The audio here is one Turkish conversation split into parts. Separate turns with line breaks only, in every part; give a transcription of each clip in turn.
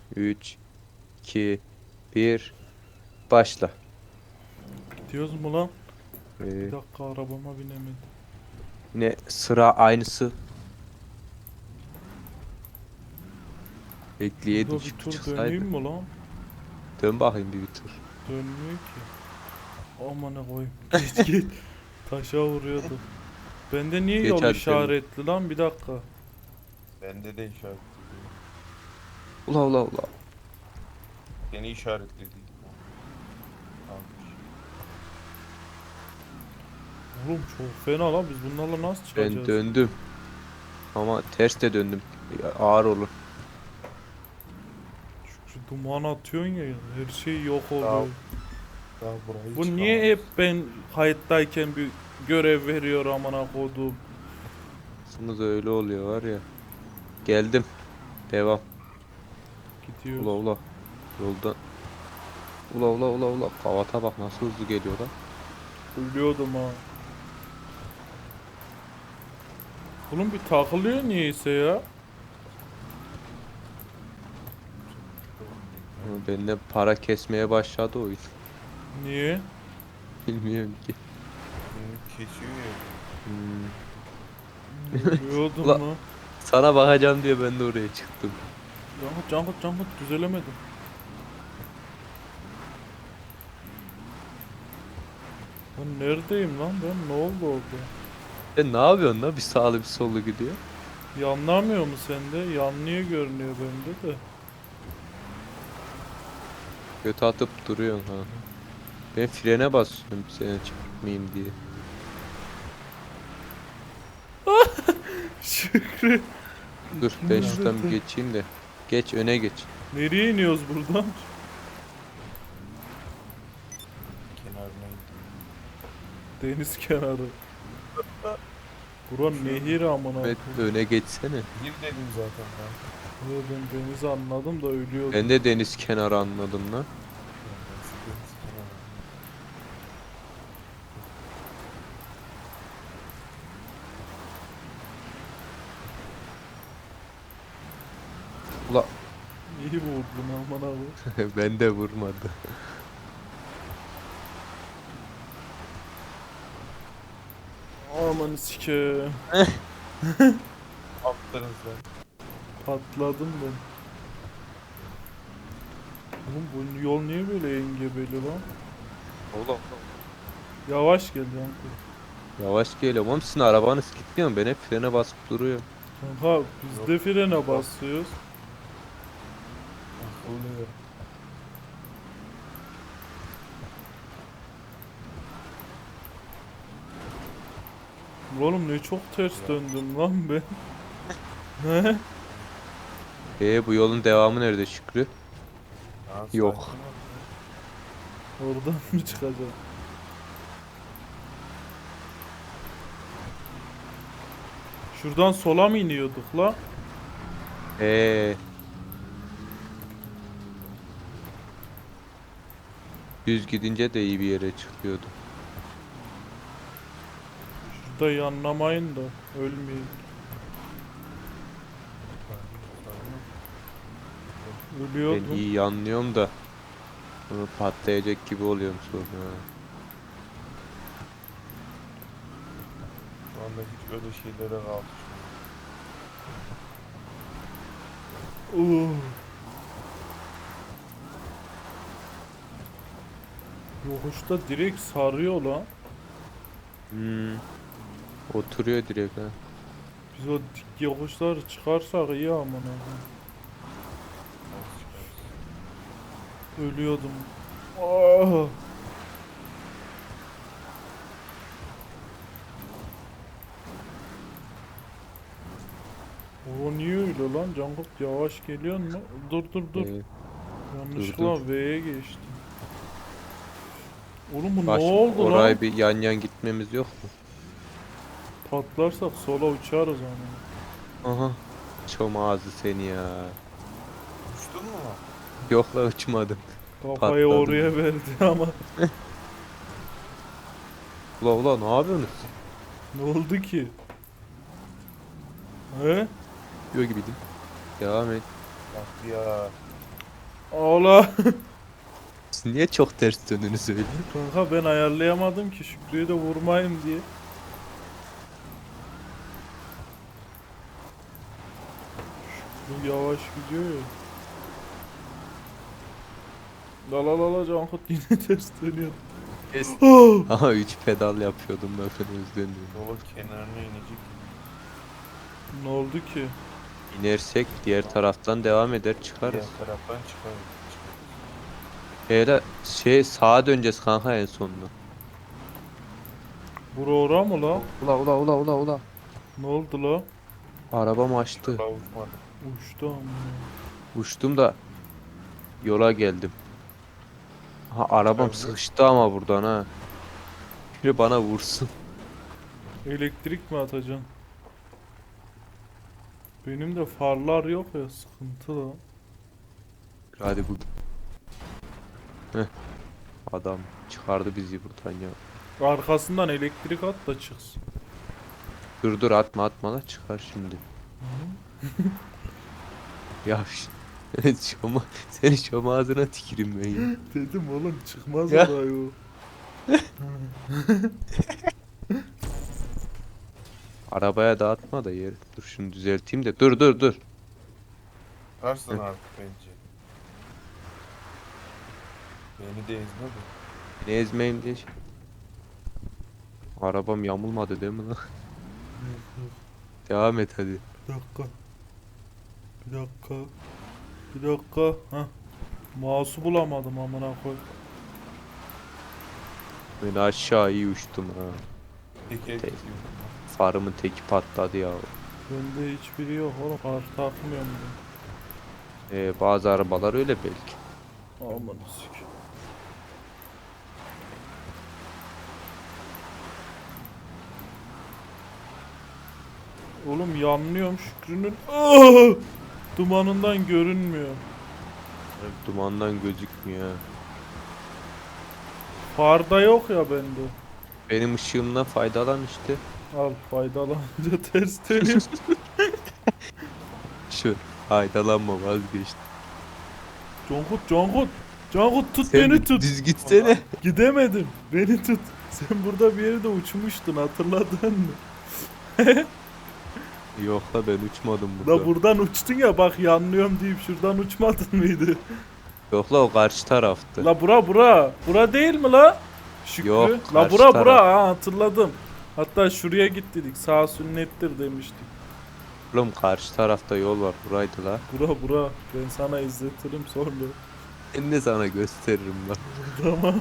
3, 2, 1. Başla.
Gidiyoruz mu lan? Bir
Ee,
dakika arabama binemedim.
Yine sıra aynısı. Bekleyeydin
Burada bir
Şükrü
tur döneyim
çıksaydı.
mi lan?
Dön bakayım bir tur.
Dönmüyor ki. Aman ne koyayım. Git git. Taşa vuruyordu. Bende niye
Geç
yol
hadi sen.
işaretli lan? Bir dakika.
Bende de işaretledi.
Ula ula ula.
Seni işaretledi. Almış.
Oğlum çok fena lan. Biz bunlarla nasıl
Ben
çıkacağız?
döndüm. Ama ters de döndüm. Ağır olur.
Şu duman atıyorsun ya. Her şey yok
Daha,
oluyor.
daha burayı
Bu niye hep ben kayıttayken bir görev veriyor amına kodum?
Aslında öyle oluyor var ya. Geldim. Devam.
Gidiyoruz.
Ula ula. Yoldan. Ula ula ula ula. Kavata bak nasıl hızlı geliyor lan.
Ölüyordum ha. Bunun bir takılıyor niyeyse ya.
Ama bende para kesmeye başladı oyun.
Niye?
Bilmiyorum ki.
kesiyor ya.
Ölüyordum
Ula
lan.
sana bakacağım diye ben de oraya çıktım.
Cankut düzelemedim. Ben neredeyim lan ben? Ne oldu orada?
Sen ne yapıyorsun lan? Bir sağlı bir sollu gidiyor.
Yanlamıyor mu sende? Yanlıyor görünüyor bende de.
Götü atıp duruyorsun ha. Ben frene basıyorum seni çarpmayayım diye.
Şükrü.
Dur
İkimiz
ben
de
şuradan bir
de-
geçeyim de. Geç öne geç.
Nereye iniyoruz buradan?
Kenarına indi.
Deniz kenarı. Buran nehir amına.
Evet, öne geçsene.
Bir dedim zaten ben.
Ben denizi anladım da ölüyordum.
Ben de deniz kenarı anladım lan.
Ben şu deniz kenarına.
Ula
İyi vurdun aman abi.
ben de vurmadı.
Aman sike.
Aferin sen.
Patladım ben. Oğlum bu yol niye böyle engebeli lan?
Oğlum.
Yavaş gel Yankı.
Yavaş geliyorum oğlum sizin arabanız gitmiyor mu? Ben hep frene basıp duruyorum.
Kanka biz de frene
Yok.
basıyoruz.
Oluyor.
Oğlum ne çok ters döndüm lan ben. He?
Bu yolun devamı nerede Şükrü?
Ya,
Yok.
sakin ol.
Oradan mı çıkacağım? Şuradan sola mı iniyorduk la?
Düz gidince de iyi bir yere çıkıyordu.
Şurada yanlamayın da ölmeyin.
Ben
Ölüyordum.
iyi yanlıyorum da bunu patlayacak gibi oluyorum sonra.
Şu anda hiç öyle şeylere kalkışmıyor.
Yokuşta direkt sarıyor lan.
Hmm. Oturuyor direkt ha.
Biz o dik yokuşları çıkarsak iyi aman abi.
Nasıl çıkarsın?
Ölüyordum. Ah! O niye öyle lan? Cankut yavaş geliyor mu? Dur.
Ee,
Yanlışlıkla V'ye geçtim. Oğlum bu
baş,
ne oldu
oraya
lan?
bir yan yan gitmemiz yok mu?
Patlarsak sola uçarız ama.
Aha. Çom ağzı seni ya.
Uçtun mu lan?
Yok la uçmadım.
Kafayı
Patladım.
oraya verdi ama.
Ula ne yapıyorsunuz?
Ne oldu ki? He?
Diyor gibiydim. Devam et.
Bak ya.
Ola.
Siz niye çok ters döndünüz öyle?
Kanka ben ayarlayamadım ki Şükrü'yü de vurmayayım diye. Şükrü yavaş gidiyor ya. La la la la Cankut yine ters dönüyor.
Aha 3 pedal yapıyordum ben Özden'de.
Yola kenarına inecek.
Ne oldu ki?
İnersek diğer taraftan devam eder
Diğer
çıkarız.
taraftan çıkarız.
Hele sağa döneceğiz kanka en sonunda.
Bura ora mı la?
Ula.
Ne oldu la?
Arabam açtı.
Daha uçmadı.
Uçtu ama.
Uçtum da yola geldim. Ha arabam
Evet.
sıkıştı ama buradan ha. Biri bana vursun.
Elektrik mi atacaksın? Benim de farlar yok ya, sıkıntı la.
Hadi bu. Heh. Adam çıkardı bizi buradan ya.
Arkasından elektrik at da çıksın.
Dur atma la çıkar şimdi. Ya seni şom ağzına tükürüm ben ya.
Dedim oğlum çıkmaz
Ya.
oraya o.
Arabaya dağıtma da yer. Dur şunu düzelteyim de. Dur.
Varsın artık bence. Beni de ezme de.
Ne ezmeyeyim diye. Arabam yamulmadı değil mi lan? Devam et hadi.
Bir dakika. Bir dakika. Bir dakika. Hah. Mouse'u bulamadım amına koy.
Ben aşağı iyi uçtum ha.
Teker
Tek.
gidiyor.
Farımın teki patladı ya.
Bende hiçbiri yok oğlum. Kar takmıyorum ben.
Bazı arabalar öyle belki.
Aman sik. Oğlum yanlıyorum Şükrü'nün. Dumanından görünmüyor.
Dumandan gözükmüyor ha.
Farda yok ya bende.
Benim ışığımdan faydalan işte.
Al faydalanınca ters dönüyor.
Şu faydalanma vazgeçtim.
Cankut tut
Sen
beni
bir
tut.
düz gitsene.
Gidemedim. Beni tut. Sen burada bir yerde uçmuştun, hatırladın mı?
Yok la ben uçmadım burada.
La buradan uçtun ya, bak yanlıyorum deyip şuradan uçmadın mıydı?
Yok la o karşı taraftı.
La bura. Bura değil mi la? Şükrü.
Yok,
La
karşı
bura
taraf.
ha, hatırladım. Hatta şuraya git dedik. Sağ sünnettir demiştik.
Oğlum karşı tarafta yol var buraydı la.
Bura. Ben sana izletirim sonra.
Ben de sana gösteririm bak.
Tamam.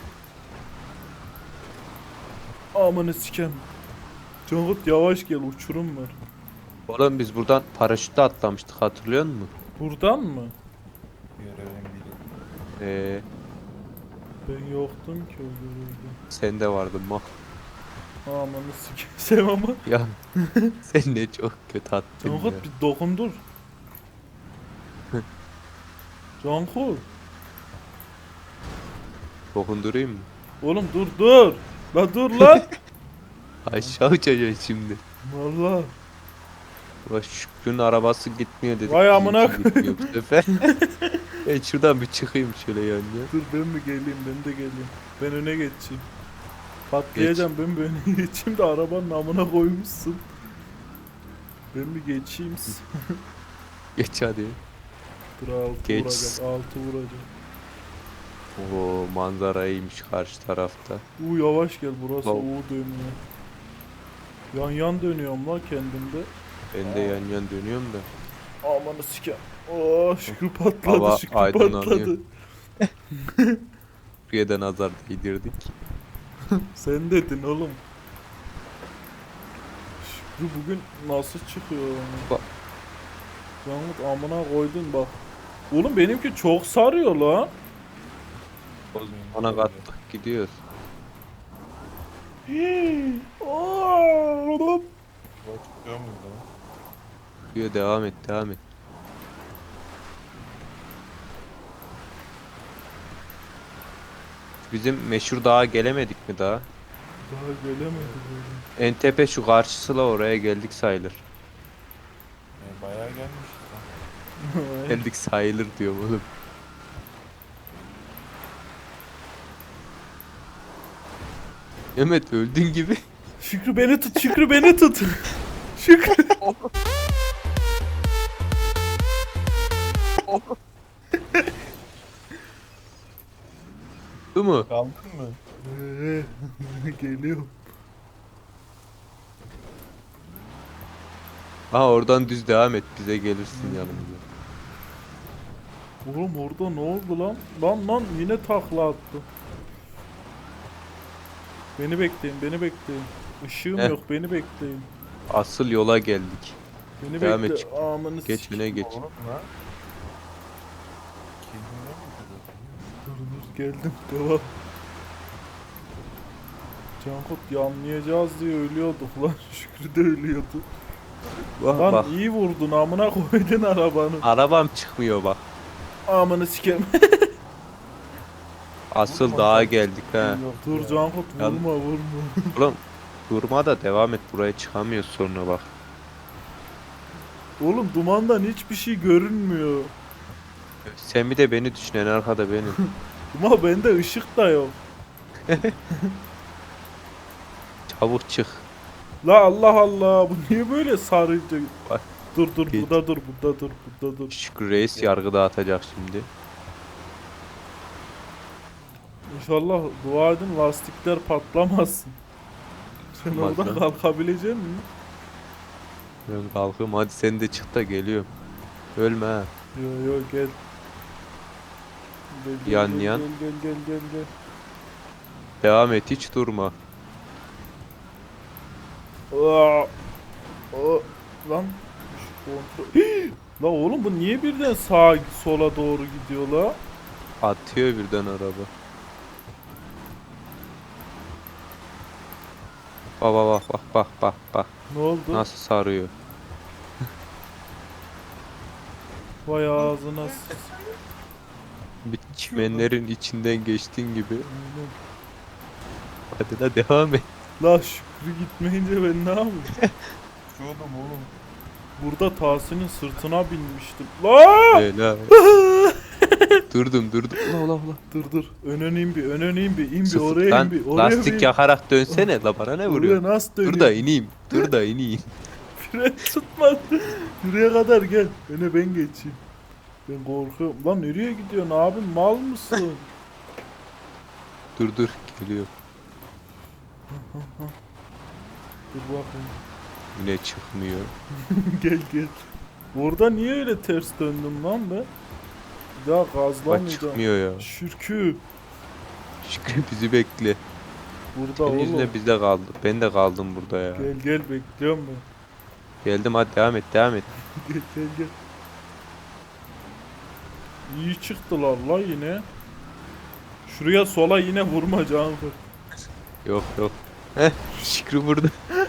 Amanı sikem. Cankut yavaş gel, uçurum var.
Oğlum biz buradan paraşütle atlamıştık hatırlıyor musun?
Buradan mı?
Görevin biri.
Ben yoktum ki o görevde.
Sen de vardın bak.
Amanı sikeyim ama.
Ya sen ne çok kötü attın ya.
Cankut bir dokundur. Cankut.
Dokundurayım mı?
Oğlum dur. La dur lan.
Aşağı uçacaksın şimdi.
Valla.
Bak Şükrü'nün arabası gitmiyor dedik.
Vay amına
bizimki gitmiyor bu sefer. Ben şuradan bir çıkayım şöyle yanına.
Dur ben mi geleyim, ben de geleyim. Ben öne geçeyim. Patlayacağım, ben bir öne geçeyim de arabanın amına koymuşsun. Ben bir geçeyim.
Geç hadi.
Dur altı
Geç.
vuracak, altı vuracak.
Oo manzara iyiymiş karşı tarafta.
Yavaş gel, burası
Lan.
dönüyor. Yan dönüyorum la kendimde.
Ben de yan dönüyorum da.
Amanı sikem. Oh Şükrü patladı,
Hava
Şükrü
aydınlanıyor.
patladı.
Buraya da nazar değdirdik.
Sen dedin oğlum. Şükrü bugün nasıl çıkıyor yani?
Bak.
Yalnız amına koydun bak. Oğlum benimki çok sarıyor lan.
Bozmayın.
Ana kattık gidiyoruz.
Oğlum.
Yola çıkıyor muyuz lan?
Buraya devam et. Bizim meşhur dağa gelemedik mi daha?
Daha gelemedim oğlum.
En tepe şu karşısıyla oraya geldik sayılır.
Bayağı gelmiş lan.
Geldik sayılır diyorum oğlum. Mehmet öldün gibi.
Şükrü beni tut, Şükrü beni tut. Şükrü.
Değil mu?
Kaldın mı?
Geliyor.
Aha oradan düz devam et bize gelirsin yanımıza.
Oğlum orada ne oldu lan? Lan yine takla attı. Beni bekleyin, beni bekleyin. Işığım
Heh.
yok, beni bekleyin.
Asıl yola geldik.
Beni
Devam
bekle.
et.
Amanı
Geç
sikeyim.
öne geç.
Oğlum lan. Kendine mi
Dur geldim, devam. Cankut yanlayacağız diye ölüyorduk lan. Şükrü de ölüyordu.
Bak
Lan
bak.
iyi vurdun, amına koydun arabanı.
Arabam çıkmıyor bak.
Amanı sikeyim.
Asıl
Vurma
dağa
sen.
geldik ha.
Dur Cankut
Yan-
vurma.
Oğlum durma da devam et, buraya çıkamıyoruz sonra bak.
Oğlum dumandan hiçbir şey görünmüyor.
Sen bir de beni düşün, en arkada benim.
Ama bende ışık da yok.
Çabuk çık.
La Allah Allah, bu niye böyle sarıcı?
Bak,
Dur
geç.
burada dur, burada dur.
Şükrü Reis yargı dağıtacak şimdi.
İnşallah dua edin lastikler patlamasın. Sen
Olmaz
orada
lan.
kalkabilecek misin?
Ben kalkıyorum, hadi sen de çık da geliyorum. Ölme ha.
Yo gel. Gel,
Yan
gel,
yan.
Gel.
Devam et, hiç durma.
Aa, lan şu kontrol. La oğlum bu niye birden sağa sola doğru gidiyor la?
Atıyor birden araba. Bak.
Ne oldu?
Nasıl sarıyor.
Vay ağzına s-
Bir çimenlerin içinden geçtiğin gibi.
Aynen.
Hadi la devam et.
La Şükrü gitmeyince ben ne yapayım?
Uçuyordum oğlum.
Burada Tahsin'in sırtına binmiştim. La!
Öyle. Durdum. Ula.
Dur. Önüneyim bir in bir
Sıfır.
oraya
Lan
in bir oraya
lastik
bir.
yakarak dönsene la, bana ne
Oraya
vuruyor?
nasıl döneyim?
Dur da ineyim.
Fren tutmaz. Nereye kadar gel. Öne ben geçeyim. Ben korkuyorum. Lan nereye gidiyorsun abim, mal mısın?
Dur geliyor.
Dur bakayım.
Yine çıkmıyor.
Gel. Orada niye öyle ters döndüm lan ben? Bir daha
Bak
gazlamayacağım.
çıkmıyor ya.
Şürkü.
Şükrü bizi bekle.
Burada
Senin
oğlum.
yüzünden biz de kaldık. Ben de kaldım burada ya.
Gel bekliyorum ben.
Geldim, hadi devam et.
Gel. İyi çıktılar la yine. Şuraya sola yine vurma Cankut.
Yok. Heh, Şükrü burada.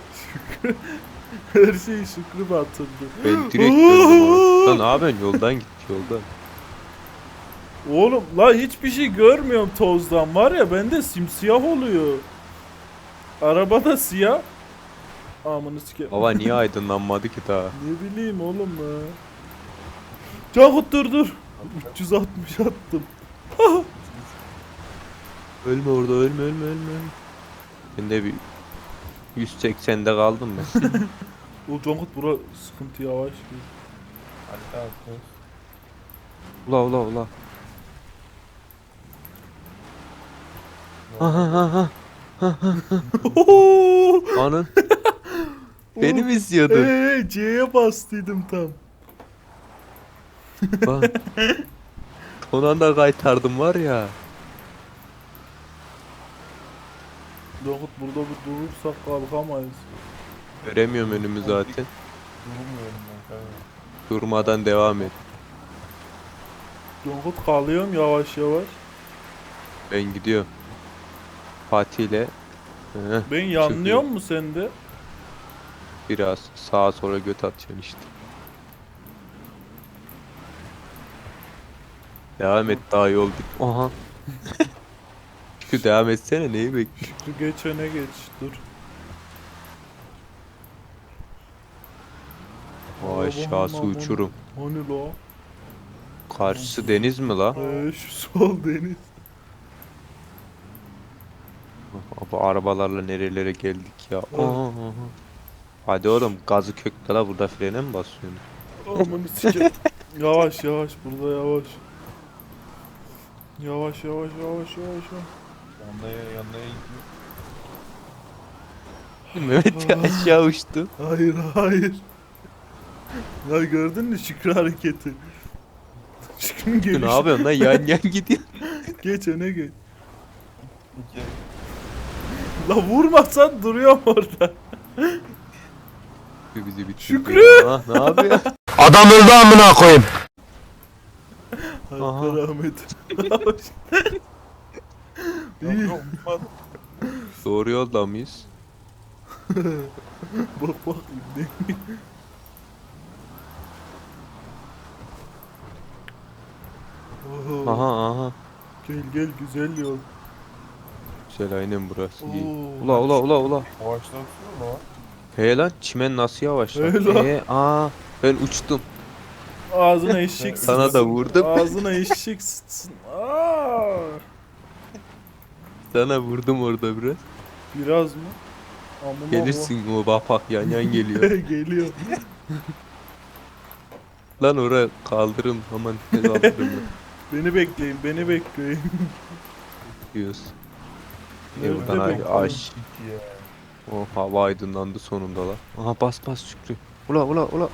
Her şeyi Şükrü batırdı.
Ben direkt döndüm. Lan ne yapıyorsun? Yoldan git yoldan.
Oğlum la hiçbir şey görmüyorum tozdan, var ya bende simsiyah oluyor. Arabada siyah. Amını sikeyim.
Hava niye aydınlanmadı ki daha?
Ne bileyim oğlum ya. Cankut dur. 360 attım.
Ölme orada, ölme. Ben de bir 180'de kaldım ben.
O Cankut bura sıkıntı, yavaş gel.
Harita atıyoruz.
Ula. Aha. Anın. Beni mi izliyordun?
C'ye bastıydım tam.
Bak. Son anda kaytardım var ya.
Cankut burada bir durursak kalkamayız.
Göremiyorum önümü zaten.
Durmuyorum ben kanka.
Durmadan devam et.
Cankut kalıyorum yavaş.
Ben gidiyorum. Fatih ile
Ben yanlıyor mu sende?
biraz sağa sola göt atacaksın işte. Devam et, daha yol bit. Aha. Şu devam etsene, neyi bekliyorsun?
Şükrü geç, öne geç. Dur.
Vay aşağısı
Aman.
uçurum.
Hani la?
Karşısı deniz mi la?
Şu sol deniz.
Bu arabalarla nerelere geldik ya. Aha, aha. Hadi oğlum gazı kökle la, burada frene mi basıyorsun?
Aman sike. Yavaş yavaş burada yavaş. Yavaş yavaş yavaş yavaş.
Yanlaya gidiyor.
Mehmet ya aşağı uçtu.
Hayır hayır. Ya gördün mü Şükrü hareketi? Şükrü'nün
Ne
gelişi.
yapıyorsun lan, yan yan gidiyor.
Geç öne geç.
İki.
La vurmasan duruyorum orada.
Bizi bitirdi.
Şükrü!
Ya. Ne yapıyor?
Adam öldü amına koyayım.
Allah
Aha.
rahmet. İyi.
Yok uçmadım.
Doğru yolda mıyız?
Bak bak. İbni. Oo,
Aha aha.
Gel gel güzel yol.
Güzel, aynen burası iyi.
Oo.
Ula ula ula ula.
Yavaşlatıyor mu lan?
He lan, çimen nasıl yavaşlar?
He lan.
Aa, ben uçtum.
Ağzına eşek
Sana
sıçsın.
da vurdum.
Ağzına eşek sıçsın. Aa!
Sana vurdum orada biraz.
Biraz mı? Amına
Gelirsin o bak bak, yan yan geliyor.
Geliyor.
Lan oraya kaldırım, aman ne kaldırım
Beni bekleyin, beni bekleyin.
diyoruz.
Nerede
Buradan ay
bekliyorsun?
aş.
İki ya.
O hava aydınlandı sonunda la. Aha bas bas Şükrü. Ula ula ula.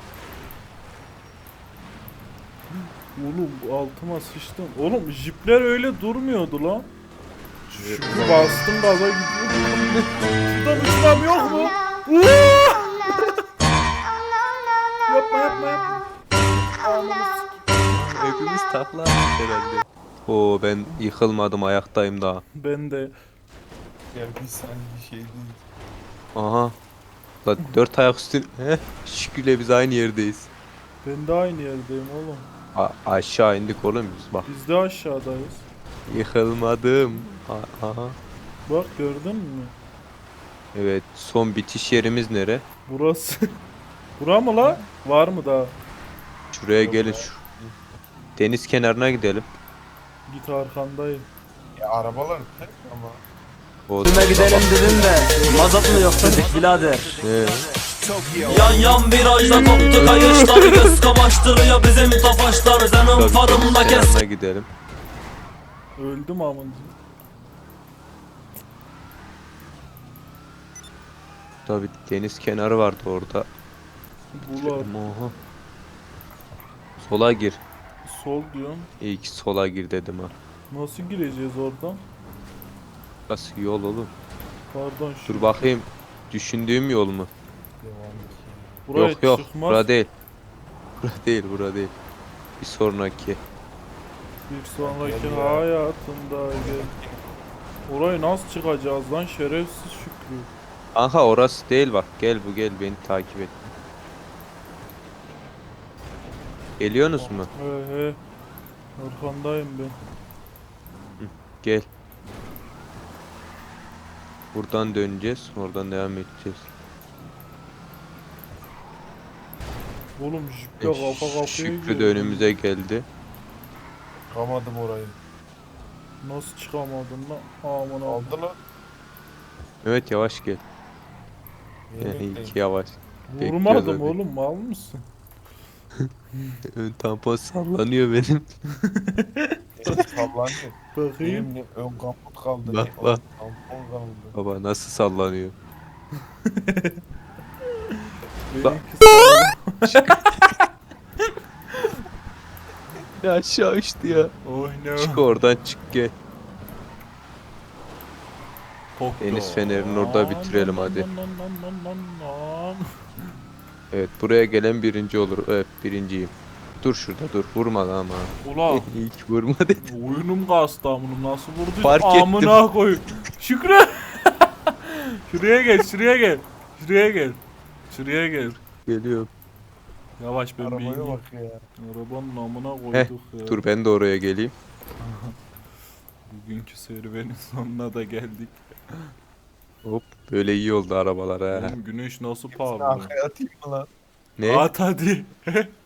Oğlum altıma sıçtım. Oğlum jipler öyle durmuyordu lan. Şükrü bastım gaza gidiyor. Şuradan uçmam yok mu? Yapma yapma yapma. Amına sik-
Hepimiz takla herhalde. Oo, ben yıkılmadım, ayaktayım daha.
Ben de.
Ya biz sanki şey değil.
Aha. La dört ayak üstü. Heh, Şükrü'yle biz aynı yerdeyiz.
Ben de aynı yerdeyim oğlum.
Aşağı indik oğlum biz, bak.
Biz de aşağıdayız.
Yıkılmadım. Aha.
Bak gördün mü?
Evet, son bitiş yerimiz nere?
Burası. Bura mı la? Var mı daha?
Şuraya
Yok
gelin
ya.
şu. Deniz kenarına gidelim.
Git arkandayım.
Ya arabalar tek ama.
O
Üstüme gidelim dedim de mazot mu yok dedik birader.
He.
Yan yan virajda koptu kayışlar Göz kamaştırıyor bizim tofaşlar Senin
Tabii,
farında
deniz
kes
kenarına gidelim.
Öldüm amıncı.
Tabii deniz kenarı vardı orada.
Bular.
Oha. Sola gir.
Sol diyorum.
İyi ki sola gir dedim ha.
Nasıl gireceğiz oradan?
Nasıl yol oğlum?
Pardon şu.
Dur bakayım. Düşündüğüm yol mu?
Devam ki.
Buraya
Yok yok.
çıkmaz.
Bura değil. Bura değil, bura değil. Bir sonraki.
Bir sonraki
Gel ya.
hayatımda gel. Orayı nasıl çıkacağız lan şerefsiz Şükrü.
Kanka orası değil bak. Gel bu, gel beni takip et. Geliyorsunuz mu?
He he. Arkandayım ben.
Gel. Buradan döneceğiz. Oradan devam edeceğiz.
Oğlum jiple kafa kafaya
Şükrü
girdi.
de önümüze geldi.
Çıkamadım orayı.
Nasıl çıkamadın lan? Aman abi.
Aldı lan.
Evet, yavaş gel.
Niye
İyi
bekleyin?
ki yavaş.
Vurmadım
bekliyoruz
oğlum mal mısın?
Ön tampon sallanıyor benim.
Sallanıyor.
Bakayım.
Benim de ön kaput kaldı.
Bak, bak.
Tampon kaldı.
Baba nasıl sallanıyor?
Benimki sağlam.
Ya aşağı uçtu ya.
Oh no.
Çık oradan, çık gel.
Koktu.
Deniz fenerinin orada bitirelim hadi.
Nan, nan, nan, nan, nan.
Evet, buraya gelen birinci olur. Evet, birinciyim. Dur şurada dur. Vurma lan ama.
Ulan
İyi ki vurma dedim.
oyunum kastı amınım nasıl vurdu?
Fark ettim.
Amına koy. Şükrü. Şuraya gel, şuraya gel. Şuraya gel. Şuraya gel.
Geliyorum.
Yavaş ben bir
Arabaya
ineyim.
bak ya.
Arabanın amına koyduk ya.
Dur ben de oraya geleyim.
Bugünkü serüvenin sonuna da geldik.
Hop, böyle iyi oldu arabalar ha.
Oğlum güneş nasıl
Hepsini
parlıyor?
arkaya atayım mı lan?
Ne?
At hadi.